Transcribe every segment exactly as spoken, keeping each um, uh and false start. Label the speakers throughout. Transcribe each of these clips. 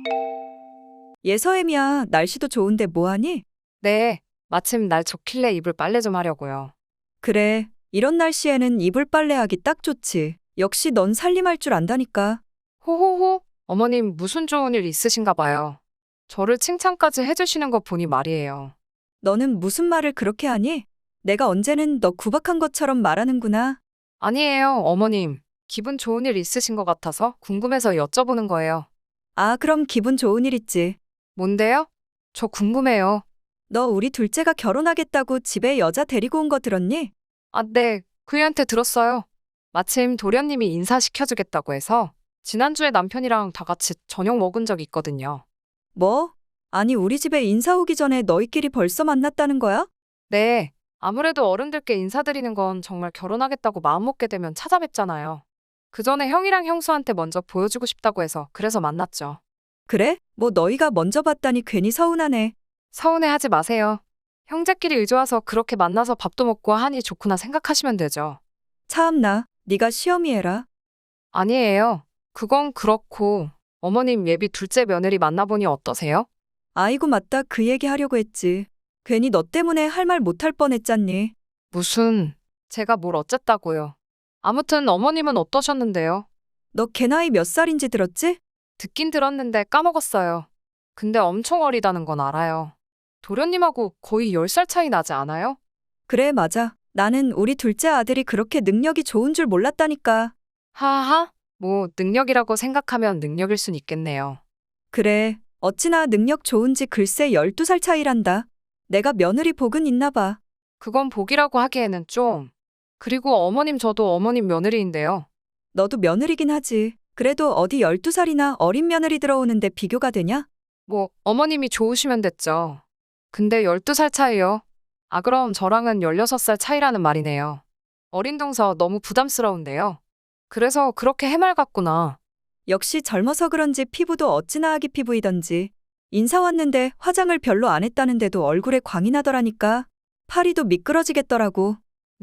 Speaker 1: 예서엠이야, 날씨도 좋은데 뭐하니?
Speaker 2: 네, 마침 날 좋길래 이불 빨래 좀 하려고요.
Speaker 1: 그래, 이런 날씨에는 이불 빨래하기 딱 좋지. 역시 넌 살림할 줄 안다니까.
Speaker 2: 호호호, 어머님 무슨 좋은 일 있으신가 봐요. 저를 칭찬까지 해주시는 거 보니 말이에요.
Speaker 1: 너는 무슨 말을 그렇게 하니? 내가 언제는 너 구박한 것처럼 말하는구나.
Speaker 2: 아니에요, 어머님. 기분 좋은 일 있으신 것 같아서 궁금해서 여쭤보는 거예요.
Speaker 1: 아, 그럼 기분 좋은 일 있지.
Speaker 2: 뭔데요? 저 궁금해요.
Speaker 1: 너 우리 둘째가 결혼하겠다고 집에 여자 데리고 온 거 들었니?
Speaker 2: 아, 네, 그이한테 들었어요. 마침 도련님이 인사시켜주겠다고 해서 지난주에 남편이랑 다 같이 저녁 먹은 적이 있거든요.
Speaker 1: 뭐? 아니, 우리 집에 인사 오기 전에 너희끼리 벌써 만났다는 거야?
Speaker 2: 네, 아무래도 어른들께 인사드리는 건 정말 결혼하겠다고 마음먹게 되면 찾아뵙잖아요. 그 전에 형이랑 형수한테 먼저 보여주고 싶다고 해서 그래서 만났죠.
Speaker 1: 그래? 뭐 너희가 먼저 봤다니 괜히 서운하네.
Speaker 2: 서운해하지 마세요. 형제끼리 의좋아서 그렇게 만나서 밥도 먹고 하니 좋구나 생각하시면 되죠.
Speaker 1: 참나, 네가 시험이 해라.
Speaker 2: 아니에요. 그건 그렇고 어머님 예비 둘째 며느리 만나보니 어떠세요?
Speaker 1: 아이고 맞다, 그 얘기 하려고 했지. 괜히 너 때문에 할 말 못할 뻔했잖니.
Speaker 2: 무슨 제가 뭘 어쨌다고요. 아무튼 어머님은 어떠셨는데요?
Speaker 1: 너 걔 나이 몇 살인지 들었지?
Speaker 2: 듣긴 들었는데 까먹었어요. 근데 엄청 어리다는 건 알아요. 도련님하고 거의 열 살 차이 나지 않아요?
Speaker 1: 그래, 맞아. 나는 우리 둘째 아들이 그렇게 능력이 좋은 줄 몰랐다니까.
Speaker 2: 하하, 뭐 능력이라고 생각하면 능력일 순 있겠네요.
Speaker 1: 그래, 어찌나 능력 좋은지 글쎄 열두 살 차이란다. 내가 며느리 복은 있나 봐.
Speaker 2: 그건 복이라고 하기에는 좀. 그리고 어머님 저도 어머님 며느리인데요.
Speaker 1: 너도 며느리긴 하지. 그래도 어디 열두 살이나 어린 며느리 들어오는데 비교가 되냐?
Speaker 2: 뭐 어머님이 좋으시면 됐죠. 근데 열두 살 차이요? 아 그럼 저랑은 열여섯 살 차이라는 말이네요. 어린 동서 너무 부담스러운데요. 그래서 그렇게 해맑았구나.
Speaker 1: 역시 젊어서 그런지 피부도 어찌나 아기 피부이던지. 인사 왔는데 화장을 별로 안 했다는데도 얼굴에 광이 나더라니까. 파리도 미끄러지겠더라고.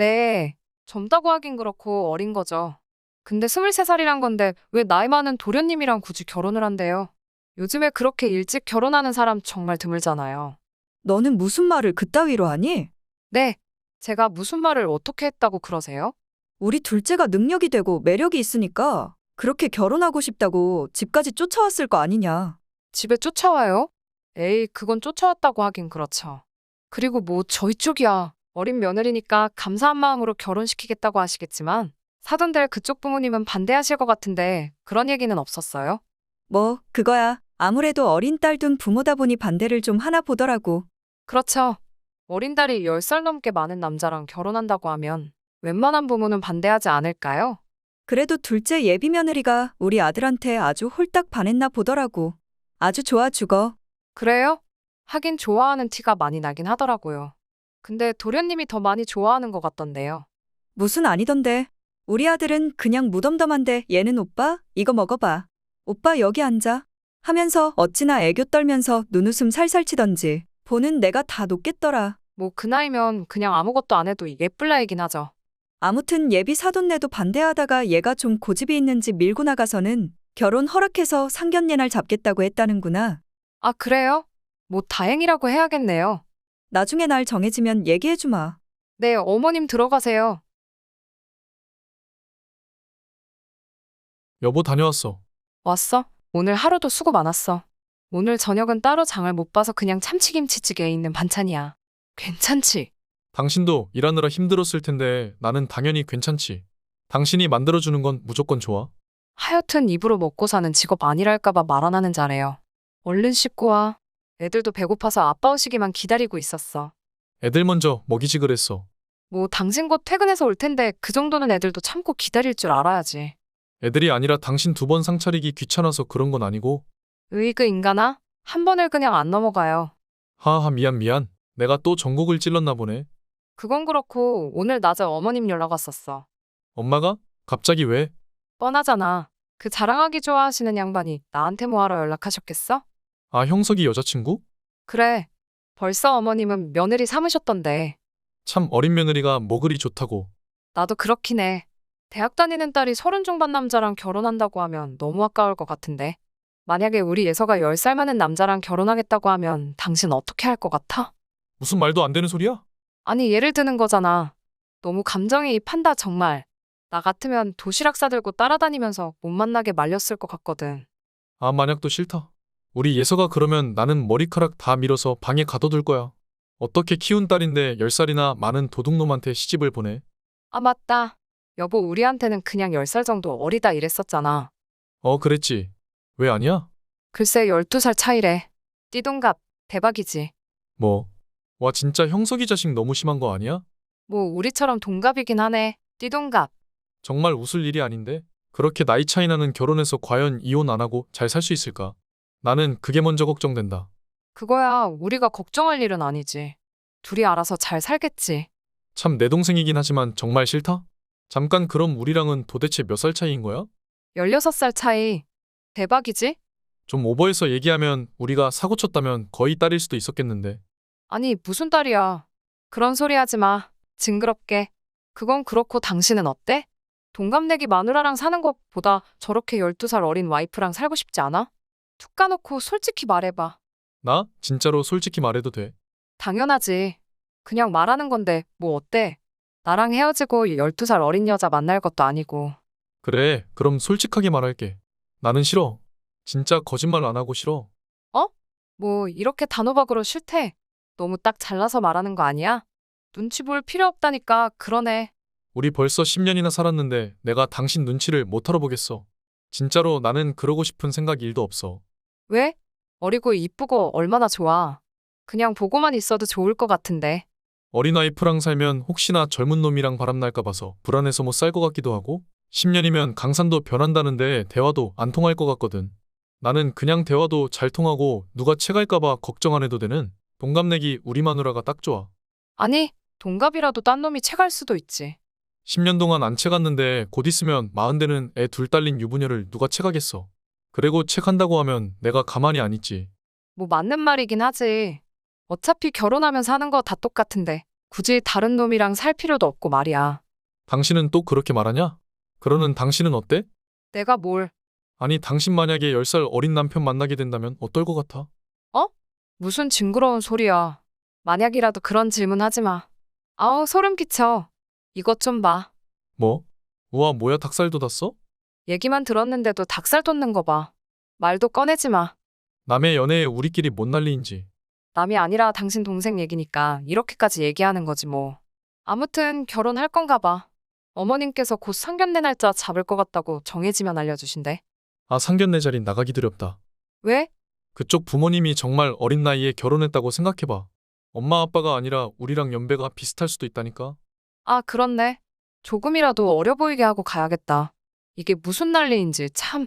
Speaker 2: 네, 젊다고 하긴 그렇고 어린 거죠. 근데 스물세 살이란 건데 왜 나이 많은 도련님이랑 굳이 결혼을 한대요? 요즘에 그렇게 일찍 결혼하는 사람 정말 드물잖아요.
Speaker 1: 너는 무슨 말을 그따위로 하니?
Speaker 2: 네, 제가 무슨 말을 어떻게 했다고 그러세요?
Speaker 1: 우리 둘째가 능력이 되고 매력이 있으니까 그렇게 결혼하고 싶다고 집까지 쫓아왔을 거 아니냐.
Speaker 2: 집에 쫓아와요? 에이, 그건 쫓아왔다고 하긴 그렇죠. 그리고 뭐 저희 쪽이야. 어린 며느리니까 감사한 마음으로 결혼시키겠다고 하시겠지만 사돈될 그쪽 부모님은 반대하실 것 같은데 그런 얘기는 없었어요?
Speaker 1: 뭐, 그거야. 아무래도 어린 딸 둔 부모다 보니 반대를 좀 하나 보더라고.
Speaker 2: 그렇죠. 어린 딸이 열 살 넘게 많은 남자랑 결혼한다고 하면 웬만한 부모는 반대하지 않을까요?
Speaker 1: 그래도 둘째 예비 며느리가 우리 아들한테 아주 홀딱 반했나 보더라고. 아주 좋아 죽어.
Speaker 2: 그래요? 하긴 좋아하는 티가 많이 나긴 하더라고요. 근데 도련님이 더 많이 좋아하는 것 같던데요.
Speaker 1: 무슨 아니던데. 우리 아들은 그냥 무덤덤한데 얘는 오빠, 이거 먹어봐. 오빠 여기 앉아. 하면서 어찌나 애교 떨면서 눈웃음 살살 치던지. 보는 내가 다 녹겠더라.
Speaker 2: 뭐 그 나이면 그냥 아무것도 안 해도 예쁠 나이긴 하죠.
Speaker 1: 아무튼 예비 사돈네도 반대하다가 얘가 좀 고집이 있는지 밀고 나가서는 결혼 허락해서 상견례 날 잡겠다고 했다는구나.
Speaker 2: 아, 그래요? 뭐 다행이라고 해야겠네요.
Speaker 1: 나중에 날 정해지면 얘기해주마.
Speaker 2: 네, 어머님 들어가세요.
Speaker 3: 여보 다녀왔어.
Speaker 2: 왔어? 오늘 하루도 수고 많았어. 오늘 저녁은 따로 장을 못 봐서 그냥 참치김치찌개에 있는 반찬이야. 괜찮지?
Speaker 3: 당신도 일하느라 힘들었을 텐데 나는 당연히 괜찮지. 당신이 만들어주는 건 무조건 좋아.
Speaker 2: 하여튼 입으로 먹고 사는 직업 아니랄까봐 말 안 하는 자래요. 얼른 씻고 와. 애들도 배고파서 아빠 오시기만 기다리고 있었어.
Speaker 3: 애들 먼저 먹이지 그랬어.
Speaker 2: 뭐 당신 곧 퇴근해서 올 텐데 그 정도는 애들도 참고 기다릴 줄 알아야지.
Speaker 3: 애들이 아니라 당신 두 번 상 차리기 귀찮아서 그런 건 아니고.
Speaker 2: 으이그 인간아? 한 번을 그냥 안 넘어가요.
Speaker 3: 하하 미안 미안. 내가 또 전곡을 찔렀나 보네.
Speaker 2: 그건 그렇고 오늘 낮에 어머님 연락 왔었어.
Speaker 3: 엄마가? 갑자기 왜?
Speaker 2: 뻔하잖아. 그 자랑하기 좋아하시는 양반이 나한테 뭐하러 연락하셨겠어?
Speaker 3: 아 형석이 여자친구?
Speaker 2: 그래. 벌써 어머님은 며느리 삼으셨던데.
Speaker 3: 참 어린 며느리가 뭐 그리 좋다고.
Speaker 2: 나도 그렇긴 해. 대학 다니는 딸이 서른 중반 남자랑 결혼한다고 하면 너무 아까울 것 같은데. 만약에 우리 예서가 열 살 많은 남자랑 결혼하겠다고 하면 당신 어떻게 할 것 같아?
Speaker 3: 무슨 말도 안 되는 소리야?
Speaker 2: 아니, 예를 드는 거잖아. 너무 감정이입한다, 정말. 나 같으면 도시락 싸들고 따라다니면서 못 만나게 말렸을 것 같거든.
Speaker 3: 아, 만약도 싫다. 우리 예서가 그러면 나는 머리카락 다 밀어서 방에 가둬둘 거야. 어떻게 키운 딸인데 열 살이나 많은 도둑놈한테 시집을 보내?
Speaker 2: 아, 맞다. 여보, 우리한테는 그냥 열 살 정도 어리다 이랬었잖아.
Speaker 3: 어, 그랬지. 왜 아니야?
Speaker 2: 글쎄 열두 살 차이래. 띠동갑, 대박이지.
Speaker 3: 뭐. 와, 진짜 형석이 자식 너무 심한 거 아니야?
Speaker 2: 뭐 우리처럼 동갑이긴 하네. 띠동갑.
Speaker 3: 정말 웃을 일이 아닌데? 그렇게 나이 차이 나는 결혼해서 과연 이혼 안 하고 잘 살 수 있을까? 나는 그게 먼저 걱정된다.
Speaker 2: 그거야 우리가 걱정할 일은 아니지. 둘이 알아서 잘 살겠지.
Speaker 3: 참 내 동생이긴 하지만 정말 싫다? 잠깐 그럼 우리랑은 도대체 몇 살 차이인 거야?
Speaker 2: 열여섯 살 차이. 대박이지?
Speaker 3: 좀 오버해서 얘기하면 우리가 사고 쳤다면 거의 딸일 수도 있었겠는데.
Speaker 2: 아니 무슨 딸이야. 그런 소리 하지 마. 징그럽게. 그건 그렇고 당신은 어때? 동갑내기 마누라랑 사는 것보다 저렇게 열두 살 어린 와이프랑 살고 싶지 않아? 툭 까놓고 솔직히 말해봐.
Speaker 3: 나? 진짜로 솔직히 말해도 돼.
Speaker 2: 당연하지. 그냥 말하는 건데 뭐 어때? 나랑 헤어지고 열두 살 어린 여자 만날 것도 아니고.
Speaker 3: 그래, 그럼 솔직하게 말할게. 나는 싫어. 진짜 거짓말 안 하고 싫어.
Speaker 2: 뭐 이렇게 단호박으로 싫대. 너무 딱 잘라서 말하는 거 아니야? 눈치 볼 필요 없다니까. 그러네.
Speaker 3: 우리 벌써 십 년이나 살았는데 내가 당신 눈치를 못 알아보겠어. 진짜로 나는 그러고 싶은 생각 일도 없어.
Speaker 2: 왜? 어리고 이쁘고 얼마나 좋아. 그냥 보고만 있어도 좋을 것 같은데.
Speaker 3: 어린 와이프랑 살면 혹시나 젊은 놈이랑 바람날까 봐서 불안해서 못 살 것 같기도 하고 십 년이면 강산도 변한다는데 대화도 안 통할 것 같거든. 나는 그냥 대화도 잘 통하고 누가 채갈까 봐 걱정 안 해도 되는 동갑내기 우리 마누라가 딱 좋아.
Speaker 2: 아니, 동갑이라도 딴 놈이 채갈 수도 있지.
Speaker 3: 십 년 동안 안 채갔는데 곧 있으면 마흔 되는 애 둘 딸린 유부녀를 누가 채가겠어. 그리고 채간다고 하면 내가 가만히 안 있지.
Speaker 2: 뭐 맞는 말이긴 하지. 어차피 결혼하면 사는 거 다 똑같은데 굳이 다른 놈이랑 살 필요도 없고 말이야.
Speaker 3: 당신은 또 그렇게 말하냐? 그러는 당신은 어때?
Speaker 2: 내가 뭘,
Speaker 3: 아니 당신 만약에 열 살 어린 남편 만나게 된다면 어떨 것 같아?
Speaker 2: 무슨 징그러운 소리야. 만약이라도 그런 질문 하지 마. 아우, 소름 끼쳐. 이것 좀 봐.
Speaker 3: 뭐? 우와 뭐야 닭살 돋았어?
Speaker 2: 얘기만 들었는데도 닭살 돋는 거 봐. 말도 꺼내지 마.
Speaker 3: 남의 연애에 우리끼리 뭔 난리인지.
Speaker 2: 남이 아니라 당신 동생 얘기니까 이렇게까지 얘기하는 거지 뭐. 아무튼 결혼할 건가 봐. 어머님께서 곧 상견례 날짜 잡을 것 같다고 정해지면 알려주신대.
Speaker 3: 아 상견례 자리 나가기 두렵다.
Speaker 2: 왜?
Speaker 3: 그쪽 부모님이 정말 어린 나이에 결혼했다고 생각해봐. 엄마 아빠가 아니라 우리랑 연배가 비슷할 수도 있다니까.
Speaker 2: 아, 그렇네. 조금이라도 어려 보이게 하고 가야겠다. 이게 무슨 난리인지 참.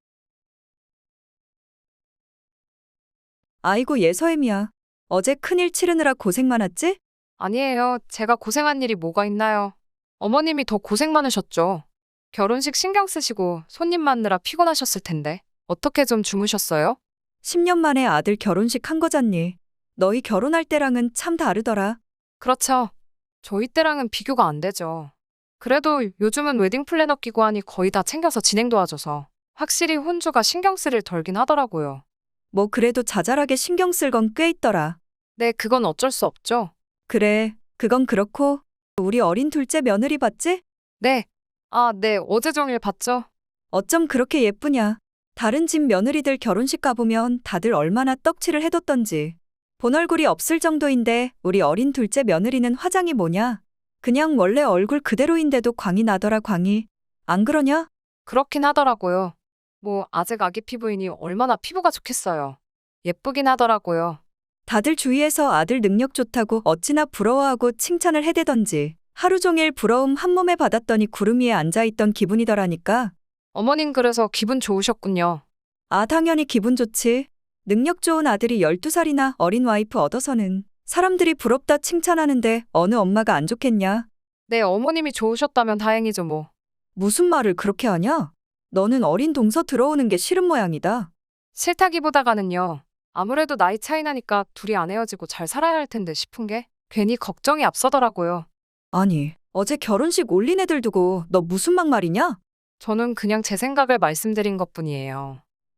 Speaker 1: 아이고 예서엠이야. 어제 큰일 치르느라 고생 많았지?
Speaker 2: 아니에요. 제가 고생한 일이 뭐가 있나요? 어머님이 더 고생 많으셨죠. 결혼식 신경 쓰시고 손님 맞느라 피곤하셨을 텐데. 어떻게 좀 주무셨어요?
Speaker 1: 십 년 만에 아들 결혼식 한 거잖니. 너희 결혼할 때랑은 참 다르더라.
Speaker 2: 그렇죠. 저희 때랑은 비교가 안 되죠. 그래도 요즘은 웨딩 플래너 끼고 하니 거의 다 챙겨서 진행 도와줘서 확실히 혼주가 신경 쓸 일 덜긴 하더라고요.
Speaker 1: 뭐 그래도 자잘하게 신경 쓸 건 꽤 있더라.
Speaker 2: 네, 그건 어쩔 수 없죠.
Speaker 1: 그래, 그건 그렇고 우리 어린 둘째 며느리 봤지?
Speaker 2: 네. 아, 네. 어제 종일 봤죠.
Speaker 1: 어쩜 그렇게 예쁘냐. 다른 집 며느리들 결혼식 가보면 다들 얼마나 떡칠을 해뒀던지. 본 얼굴이 없을 정도인데 우리 어린 둘째 며느리는 화장이 뭐냐? 그냥 원래 얼굴 그대로인데도 광이 나더라 광이. 안 그러냐?
Speaker 2: 그렇긴 하더라고요. 뭐 아직 아기 피부이니 얼마나 피부가 좋겠어요. 예쁘긴 하더라고요.
Speaker 1: 다들 주위에서 아들 능력 좋다고 어찌나 부러워하고 칭찬을 해대던지. 하루 종일 부러움 한 몸에 받았더니 구름 위에 앉아있던 기분이더라니까.
Speaker 2: 어머님 그래서 기분 좋으셨군요.
Speaker 1: 아 당연히 기분 좋지. 능력 좋은 아들이 열두 살이나 어린 와이프 얻어서는 사람들이 부럽다 칭찬하는데 어느 엄마가 안 좋겠냐?
Speaker 2: 네, 어머님이 좋으셨다면 다행이죠 뭐.
Speaker 1: 무슨 말을 그렇게 하냐? 너는 어린 동서 들어오는 게 싫은 모양이다.
Speaker 2: 싫다기보다가는요. 아무래도 나이 차이 나니까 둘이 안 헤어지고 잘 살아야 할 텐데 싶은 게 괜히 걱정이 앞서더라고요.
Speaker 1: 아니, 어제 결혼식 올린 애들 두고 너 무슨 막말이냐?
Speaker 2: 저는 그냥 제 생각을 말씀드린 것뿐이에요.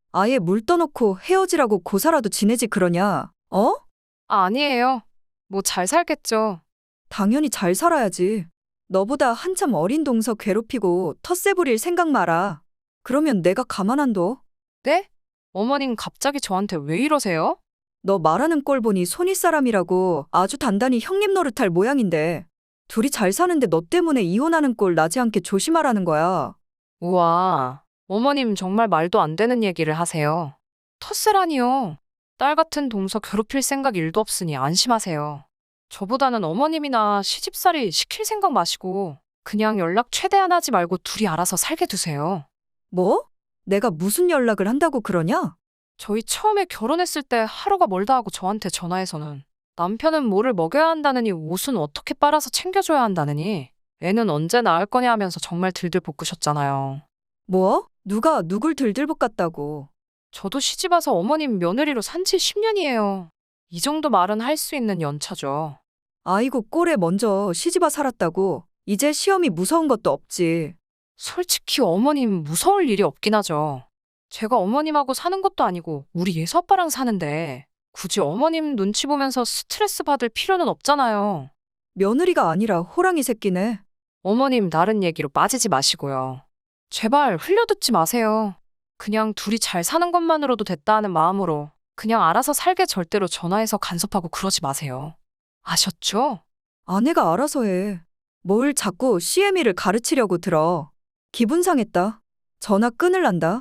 Speaker 1: 아예 물 떠놓고 헤어지라고 고사라도 지내지 그러냐? 어?
Speaker 2: 아, 아니에요. 뭐 잘 살겠죠.
Speaker 1: 당연히 잘 살아야지. 너보다 한참 어린 동서 괴롭히고 텃세 부릴 생각 마라. 그러면 내가 가만 안 둬.
Speaker 2: 네? 어머님 갑자기 저한테 왜 이러세요?
Speaker 1: 너 말하는 꼴 보니 손이 사람이라고 아주 단단히 형님 노릇할 모양인데. 둘이 잘 사는데 너 때문에 이혼하는 꼴 나지 않게 조심하라는 거야.
Speaker 2: 우와, 어머님 정말 말도 안 되는 얘기를 하세요. 텃세라니요. 딸 같은 동서 괴롭힐 생각 일도 없으니 안심하세요. 저보다는 어머님이나 시집살이 시킬 생각 마시고 그냥 연락 최대한 하지 말고 둘이 알아서 살게 두세요.
Speaker 1: 뭐? 내가 무슨 연락을 한다고 그러냐?
Speaker 2: 저희 처음에 결혼했을 때 하루가 멀다 하고 저한테 전화해서는 남편은 뭐를 먹여야 한다느니 옷은 어떻게 빨아서 챙겨줘야 한다느니 애는 언제 낳을 거냐 하면서 정말 들들 볶으셨잖아요.
Speaker 1: 뭐? 누가 누굴 들들볶았다고.
Speaker 2: 저도 시집 와서 어머님 며느리로 산 지 십 년이에요. 이 정도 말은 할 수 있는 연차죠.
Speaker 1: 아이고 꼴에 먼저 시집와 살았다고. 이제 시험이 무서운 것도 없지.
Speaker 2: 솔직히 어머님 무서울 일이 없긴 하죠. 제가 어머님하고 사는 것도 아니고 우리 예수 아빠랑 사는데 굳이 어머님 눈치 보면서 스트레스 받을 필요는 없잖아요.
Speaker 1: 며느리가 아니라 호랑이 새끼네.
Speaker 2: 어머님 다른 얘기로 빠지지 마시고요. 제발 흘려듣지 마세요. 그냥 둘이 잘 사는 것만으로도 됐다 하는 마음으로 그냥 알아서 살게 절대로 전화해서 간섭하고 그러지 마세요. 아셨죠?
Speaker 1: 아내가 알아서 해. 뭘 자꾸 씨엠이를 가르치려고 들어. 기분 상했다. 전화 끊을란다.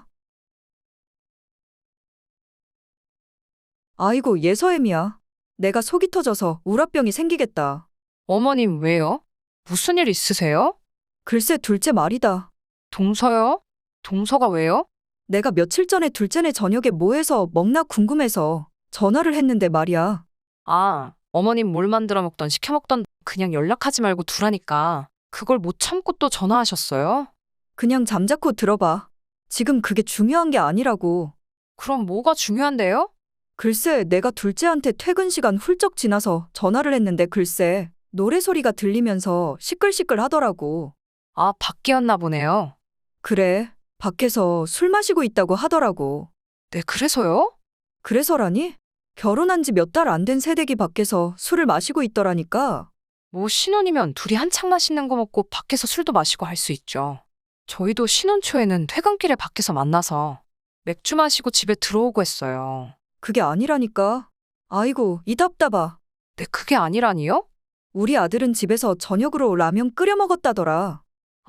Speaker 1: 아이고 예서엠이야. 내가 속이 터져서 우라병이 생기겠다.
Speaker 2: 어머님 왜요? 무슨 일 있으세요?
Speaker 1: 글쎄 둘째 말이다.
Speaker 2: 동서요? 동서가 왜요?
Speaker 1: 내가 며칠 전에 둘째네 저녁에 뭐 해서 먹나 궁금해서 전화를 했는데 말이야.
Speaker 2: 아, 어머님 뭘 만들어 먹던 시켜 먹던 그냥 연락하지 말고 두라니까 그걸 못 참고 또 전화하셨어요?
Speaker 1: 그냥 잠자코 들어봐. 지금 그게 중요한 게 아니라고.
Speaker 2: 그럼 뭐가 중요한데요?
Speaker 1: 글쎄 내가 둘째한테 퇴근 시간 훌쩍 지나서 전화를 했는데 글쎄 노래 소리가 들리면서 시끌시끌 하더라고.
Speaker 2: 아, 밖이었나 보네요.
Speaker 1: 그래, 밖에서 술 마시고 있다고 하더라고.
Speaker 2: 네, 그래서요?
Speaker 1: 그래서라니? 결혼한 지 몇 달 안 된 새댁이 밖에서 술을 마시고 있더라니까.
Speaker 2: 뭐 신혼이면 둘이 한창 맛있는 거 먹고 밖에서 술도 마시고 할 수 있죠. 저희도 신혼 초에는 퇴근길에 밖에서 만나서 맥주 마시고 집에 들어오고 했어요.
Speaker 1: 그게 아니라니까. 아이고, 이 답답아.
Speaker 2: 네, 그게 아니라니요?
Speaker 1: 우리 아들은 집에서 저녁으로 라면 끓여 먹었다더라.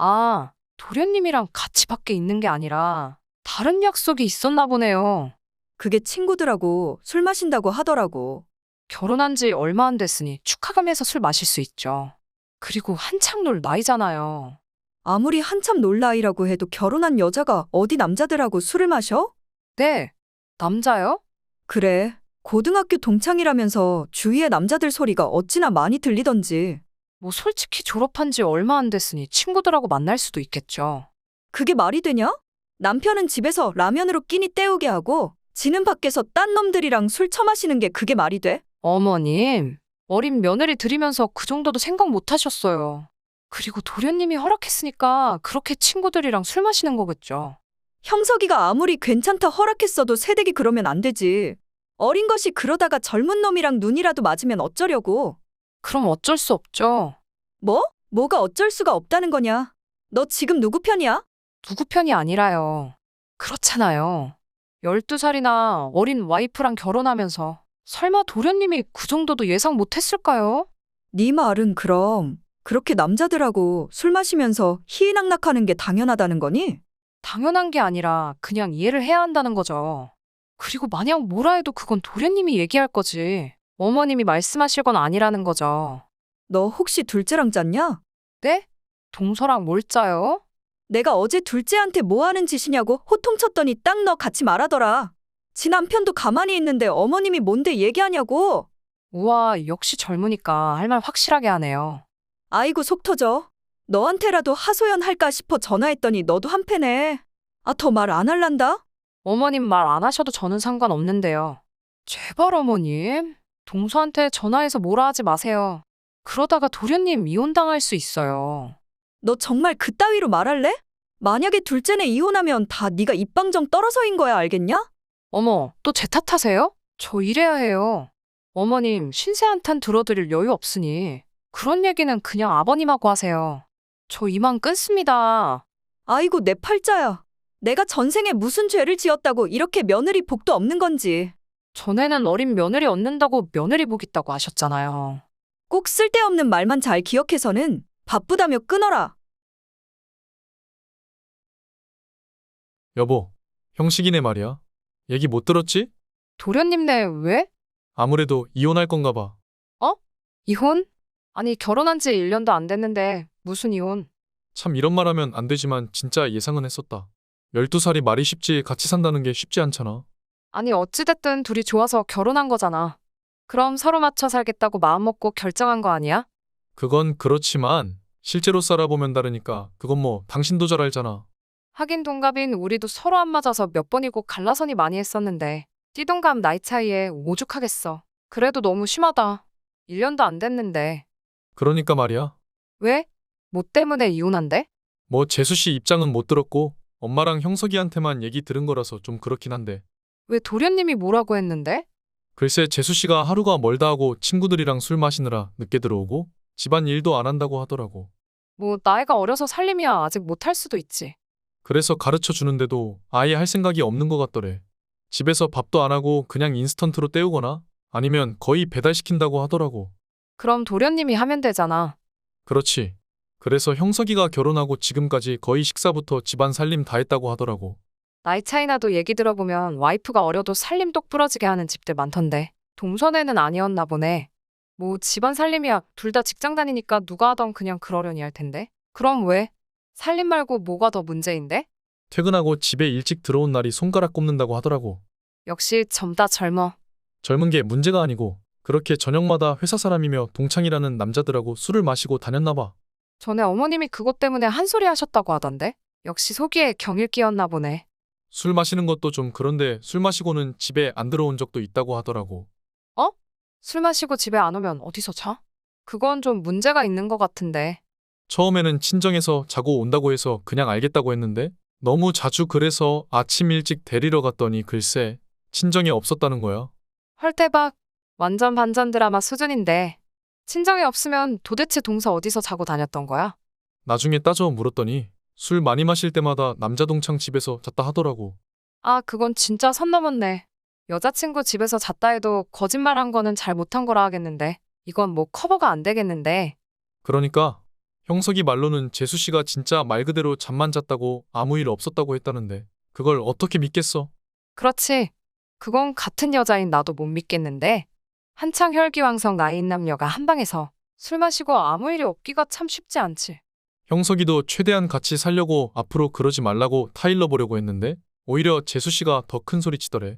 Speaker 2: 아, 도련님이랑 같이 밖에 있는 게 아니라 다른 약속이 있었나 보네요.
Speaker 1: 그게 친구들하고 술 마신다고 하더라고.
Speaker 2: 결혼한 지 얼마 안 됐으니 축하금에서 술 마실 수 있죠. 그리고 한창 놀 나이잖아요.
Speaker 1: 아무리 한참 놀 나이라고 해도 결혼한 여자가 어디 남자들하고 술을 마셔?
Speaker 2: 네, 남자요?
Speaker 1: 그래. 고등학교 동창이라면서 주위에 남자들 소리가 어찌나 많이 들리던지.
Speaker 2: 뭐 솔직히 졸업한 지 얼마 안 됐으니 친구들하고 만날 수도 있겠죠.
Speaker 1: 그게 말이 되냐? 남편은 집에서 라면으로 끼니 때우게 하고 지는 밖에서 딴 놈들이랑 술 처마시는 게 그게 말이 돼?
Speaker 2: 어머님, 어린 며느리 들이면서 그 정도도 생각 못 하셨어요. 그리고 도련님이 허락했으니까 그렇게 친구들이랑 술 마시는 거겠죠.
Speaker 1: 형석이가 아무리 괜찮다 허락했어도 새댁이 그러면 안 되지. 어린 것이 그러다가 젊은 놈이랑 눈이라도 맞으면 어쩌려고.
Speaker 2: 그럼 어쩔 수 없죠.
Speaker 1: 뭐? 뭐가 어쩔 수가 없다는 거냐? 너 지금 누구 편이야?
Speaker 2: 누구 편이 아니라요. 그렇잖아요. 열두 살이나 어린 와이프랑 결혼하면서 설마 도련님이 그 정도도 예상 못 했을까요?
Speaker 1: 네 말은 그럼 그렇게 남자들하고 술 마시면서 희희낙낙하는 게 당연하다는 거니?
Speaker 2: 당연한 게 아니라 그냥 이해를 해야 한다는 거죠. 그리고 만약 뭐라 해도 그건 도련님이 얘기할 거지. 어머님이 말씀하실 건 아니라는 거죠.
Speaker 1: 너 혹시 둘째랑 짰냐?
Speaker 2: 네? 동서랑 뭘 짜요?
Speaker 1: 내가 어제 둘째한테 뭐 하는 짓이냐고 호통쳤더니 딱 너 같이 말하더라. 지 남편도 가만히 있는데 어머님이 뭔데 얘기하냐고.
Speaker 2: 우와, 역시 젊으니까 할 말 확실하게 하네요.
Speaker 1: 아이고 속 터져. 너한테라도 하소연할까 싶어 전화했더니 너도 한패네. 아, 더 말 안 할란다?
Speaker 2: 어머님 말 안 하셔도 저는 상관없는데요. 제발 어머님, 동서한테 전화해서 뭐라 하지 마세요. 그러다가 도련님 이혼당할 수 있어요.
Speaker 1: 너 정말 그따위로 말할래? 만약에 둘째네 이혼하면 다 네가 입방정 떨어서인 거야, 알겠냐?
Speaker 2: 어머, 또 제 탓하세요? 저 이래야 해요. 어머님, 신세 한탄 들어드릴 여유 없으니 그런 얘기는 그냥 아버님하고 하세요. 저 이만 끊습니다.
Speaker 1: 아이고, 내 팔자야. 내가 전생에 무슨 죄를 지었다고 이렇게 며느리 복도 없는 건지.
Speaker 2: 전에는 어린 며느리 얻는다고 며느리 복 있다고 하셨잖아요.
Speaker 1: 꼭 쓸데없는 말만 잘 기억해서는 바쁘다며 끊어라.
Speaker 3: 여보, 형식이네 말이야. 얘기 못 들었지?
Speaker 2: 도련님네 왜?
Speaker 3: 아무래도 이혼할 건가 봐.
Speaker 2: 이혼? 아니, 결혼한 지 일 년도 안 됐는데 무슨 이혼?
Speaker 3: 참 이런 말 하면 안 되지만 진짜 예상은 했었다. 열두 살이 말이 쉽지 같이 산다는 게 쉽지 않잖아.
Speaker 2: 아니, 어찌됐든 둘이 좋아서 결혼한 거잖아. 그럼 서로 맞춰 살겠다고 마음먹고 결정한 거 아니야?
Speaker 3: 그건 그렇지만 실제로 살아보면 다르니까 그건 뭐 당신도 잘 알잖아.
Speaker 2: 하긴 동갑인 우리도 서로 안 맞아서 몇 번이고 갈라서니 많이 했었는데 띠동갑 나이 차이에 오죽하겠어. 그래도 너무 심하다. 일 년도 안 됐는데.
Speaker 3: 그러니까 말이야.
Speaker 2: 왜? 뭐 때문에 이혼한대?
Speaker 3: 뭐 재수 씨 입장은 못 들었고 엄마랑 형석이한테만 얘기 들은 거라서 좀 그렇긴 한데.
Speaker 2: 왜 도련님이 뭐라고 했는데?
Speaker 3: 글쎄 재수 씨가 하루가 멀다 하고 친구들이랑 술 마시느라 늦게 들어오고 집안 일도 안 한다고 하더라고.
Speaker 2: 뭐 나이가 어려서 살림이야 아직 못할 수도 있지.
Speaker 3: 그래서 가르쳐 주는데도 아예 할 생각이 없는 것 같더래. 집에서 밥도 안 하고 그냥 인스턴트로 때우거나 아니면 거의 배달시킨다고 하더라고.
Speaker 2: 그럼 도련님이 하면 되잖아.
Speaker 3: 그렇지. 그래서 형석이가 결혼하고 지금까지 거의 식사부터 집안 살림 다 했다고 하더라고.
Speaker 2: 나이 차이 나도 얘기 들어보면 와이프가 어려도 살림 똑 부러지게 하는 집들 많던데. 동선에는 아니었나 보네. 뭐 집안 살림이야 둘 다 직장 다니니까 누가 하던 그냥 그러려니 할 텐데. 그럼 왜? 살림 말고 뭐가 더 문제인데?
Speaker 3: 퇴근하고 집에 일찍 들어온 날이 손가락 꼽는다고 하더라고.
Speaker 2: 역시 젊다 젊어.
Speaker 3: 젊은 게 문제가 아니고 그렇게 저녁마다 회사 사람이며 동창이라는 남자들하고 술을 마시고 다녔나 봐.
Speaker 2: 전에 어머님이 그것 때문에 한 소리 하셨다고 하던데. 역시 속이에 경일 끼었나 보네.
Speaker 3: 술 마시는 것도 좀 그런데 술 마시고는 집에 안 들어온 적도 있다고 하더라고.
Speaker 2: 술 마시고 집에 안 오면 어디서 자? 그건 좀 문제가 있는 것 같은데.
Speaker 3: 처음에는 친정에서 자고 온다고 해서 그냥 알겠다고 했는데 너무 자주 그래서 아침 일찍 데리러 갔더니 글쎄 친정에 없었다는 거야.
Speaker 2: 헐 대박. 완전 반전 드라마 수준인데. 친정에 없으면 도대체 동서 어디서 자고 다녔던 거야?
Speaker 3: 나중에 따져 물었더니 술 많이 마실 때마다 남자 동창 집에서 잤다 하더라고.
Speaker 2: 아, 그건 진짜 선 넘었네. 여자친구 집에서 잤다 해도 거짓말한 거는 잘 못한 거라 하겠는데. 이건 뭐 커버가 안 되겠는데.
Speaker 3: 그러니까 형석이 말로는 재수 씨가 진짜 말 그대로 잠만 잤다고 아무 일 없었다고 했다는데 그걸 어떻게 믿겠어?
Speaker 2: 그렇지. 그건 같은 여자인 나도 못 믿겠는데. 한창 혈기왕성 나이인 남녀가 한 방에서 술 마시고 아무 일이 없기가 참 쉽지 않지.
Speaker 3: 형석이도 최대한 같이 살려고 앞으로 그러지 말라고 타일러 보려고 했는데 오히려 재수 씨가 더 큰 소리 치더래.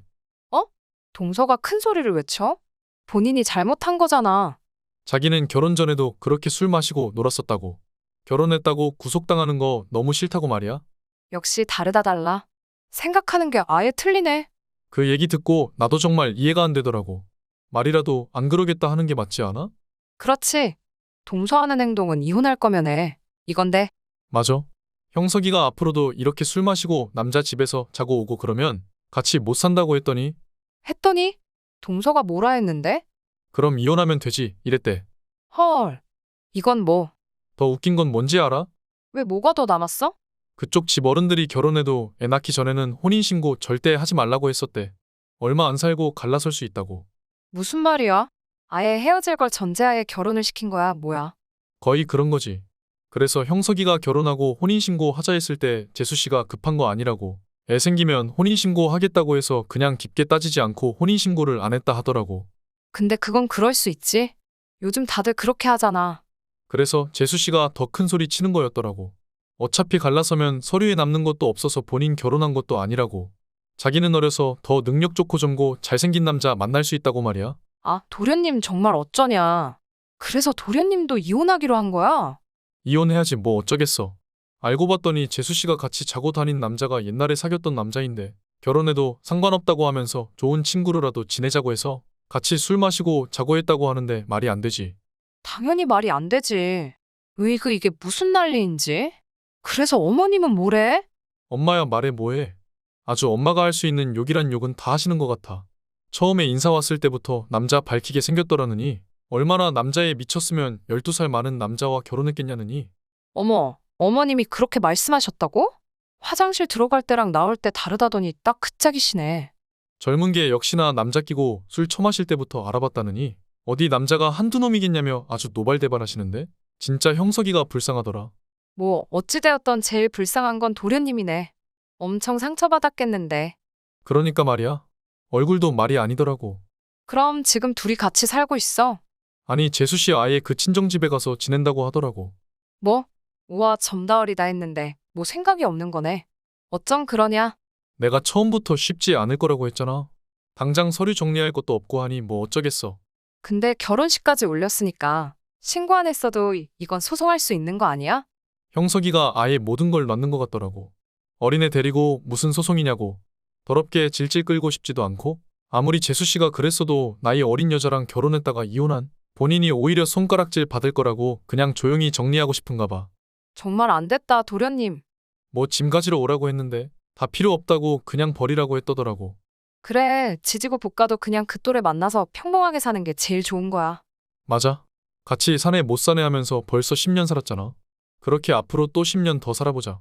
Speaker 2: 동서가 큰 소리를 외쳐? 본인이 잘못한 거잖아.
Speaker 3: 자기는 결혼 전에도 그렇게 술 마시고 놀았었다고. 결혼했다고 구속당하는 거 너무 싫다고 말이야.
Speaker 2: 역시 다르다 달라. 생각하는 게 아예 틀리네.
Speaker 3: 그 얘기 듣고 나도 정말 이해가 안 되더라고. 말이라도 안 그러겠다 하는 게 맞지 않아?
Speaker 2: 그렇지. 동서하는 행동은 이혼할 거면 해. 이건데.
Speaker 3: 맞아. 형석이가 앞으로도 이렇게 술 마시고 남자 집에서 자고 오고 그러면 같이 못 산다고 했더니
Speaker 2: 했더니 동서가 뭐라 했는데?
Speaker 3: 그럼 이혼하면 되지 이랬대.
Speaker 2: 헐. 이건 뭐?
Speaker 3: 더 웃긴 건 뭔지 알아?
Speaker 2: 왜 뭐가 더 남았어?
Speaker 3: 그쪽 집 어른들이 결혼해도 애 낳기 전에는 혼인신고 절대 하지 말라고 했었대. 얼마 안 살고 갈라설 수 있다고.
Speaker 2: 무슨 말이야? 아예 헤어질 걸 전제하에 결혼을 시킨 거야, 뭐야?
Speaker 3: 거의 그런 거지. 그래서 형석이가 결혼하고 혼인신고 하자 했을 때 재수씨가 급한 거 아니라고. 애 생기면 혼인신고 하겠다고 해서 그냥 깊게 따지지 않고 혼인신고를 안 했다 하더라고.
Speaker 2: 근데 그건 그럴 수 있지. 요즘 다들 그렇게 하잖아.
Speaker 3: 그래서 재수씨가 더 큰 소리 치는 거였더라고. 어차피 갈라서면 서류에 남는 것도 없어서 본인 결혼한 것도 아니라고. 자기는 어려서 더 능력 좋고 젊고 잘생긴 남자 만날 수 있다고 말이야.
Speaker 2: 아, 도련님 정말 어쩌냐. 그래서 도련님도 이혼하기로 한 거야?
Speaker 3: 이혼해야지 뭐 어쩌겠어. 알고 봤더니 재수씨가 같이 자고 다닌 남자가 옛날에 사귀었던 남자인데 결혼해도 상관없다고 하면서 좋은 친구로라도 지내자고 해서 같이 술 마시고 자고 했다고 하는데 말이 안 되지.
Speaker 2: 당연히 말이 안 되지. 으이그 이게 무슨 난리인지? 그래서 어머님은 뭐래?
Speaker 3: 엄마야 말해 뭐해. 아주 엄마가 할 수 있는 욕이란 욕은 다 하시는 것 같아. 처음에 인사 왔을 때부터 남자 밝히게 생겼더라느니 얼마나 남자에 미쳤으면 열두 살 많은 남자와 결혼했겠냐느니.
Speaker 2: 어머, 어머님이 그렇게 말씀하셨다고? 화장실 들어갈 때랑 나올 때 다르다더니 딱 그 짝이시네.
Speaker 3: 젊은 게 역시나 남자 끼고 술 처마실 때부터 알아봤다느니 어디 남자가 한두 놈이겠냐며 아주 노발대발하시는데 진짜 형석이가 불쌍하더라.
Speaker 2: 뭐 어찌되었던 제일 불쌍한 건 도련님이네. 엄청 상처받았겠는데.
Speaker 3: 그러니까 말이야. 얼굴도 말이 아니더라고.
Speaker 2: 그럼 지금 둘이 같이 살고 있어?
Speaker 3: 아니 재수 씨 아예 그 친정집에 가서 지낸다고 하더라고.
Speaker 2: 뭐? 우와, 점다어리다 했는데 뭐 생각이 없는 거네. 어쩜 그러냐?
Speaker 3: 내가 처음부터 쉽지 않을 거라고 했잖아. 당장 서류 정리할 것도 없고 하니 뭐 어쩌겠어.
Speaker 2: 근데 결혼식까지 올렸으니까 신고 안 했어도 이- 이건 소송할 수 있는 거 아니야?
Speaker 3: 형석이가 아예 모든 걸 놨는 것 같더라고. 어린애 데리고 무슨 소송이냐고. 더럽게 질질 끌고 싶지도 않고 아무리 재수 씨가 그랬어도 나이 어린 여자랑 결혼했다가 이혼한 본인이 오히려 손가락질 받을 거라고 그냥 조용히 정리하고 싶은가 봐.
Speaker 2: 정말 안 됐다, 도련님.
Speaker 3: 뭐 짐 가지러 오라고 했는데 다 필요 없다고 그냥 버리라고 했더더라고.
Speaker 2: 그래, 지지고 볶아도 그냥 그 또래 만나서 평범하게 사는 게 제일 좋은 거야.
Speaker 3: 맞아. 같이 사내 못 사내 하면서 벌써 십 년 살았잖아. 그렇게 앞으로 또 십 년 더 살아보자.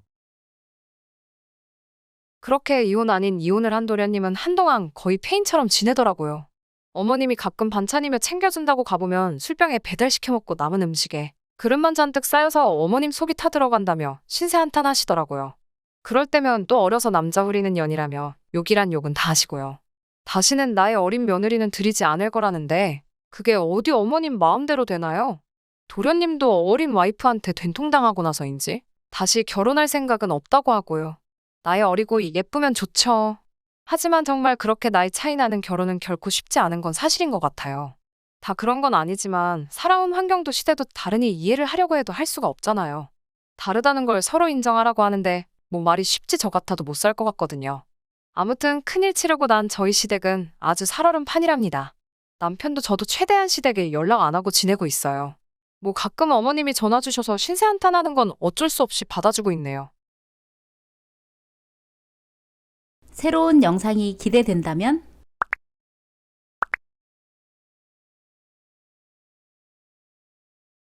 Speaker 2: 그렇게 이혼 아닌 이혼을 한 도련님은 한동안 거의 페인처럼 지내더라고요. 어머님이 가끔 반찬이며 챙겨준다고 가보면 술병에 배달시켜 먹고 남은 음식에 그릇만 잔뜩 쌓여서 어머님 속이 타들어간다며 신세 한탄 하시더라고요. 그럴 때면 또 어려서 남자 후리는 년이라며 욕이란 욕은 다 하시고요. 다시는 나의 어린 며느리는 들이지 않을 거라는데 그게 어디 어머님 마음대로 되나요? 도련님도 어린 와이프한테 된통당하고 나서인지 다시 결혼할 생각은 없다고 하고요. 나이 어리고 예쁘면 좋죠. 하지만 정말 그렇게 나이 차이 나는 결혼은 결코 쉽지 않은 건 사실인 것 같아요. 다 그런 건 아니지만 살아온 환경도 시대도 다르니 이해를 하려고 해도 할 수가 없잖아요. 다르다는 걸 서로 인정하라고 하는데 뭐 말이 쉽지 저 같아도 못 살 것 같거든요. 아무튼 큰일 치르고 난 저희 시댁은 아주 살얼음 판이랍니다. 남편도 저도 최대한 시댁에 연락 안 하고 지내고 있어요. 뭐 가끔 어머님이 전화 주셔서 신세 한탄하는 건 어쩔 수 없이 받아주고 있네요.
Speaker 4: 새로운 영상이 기대된다면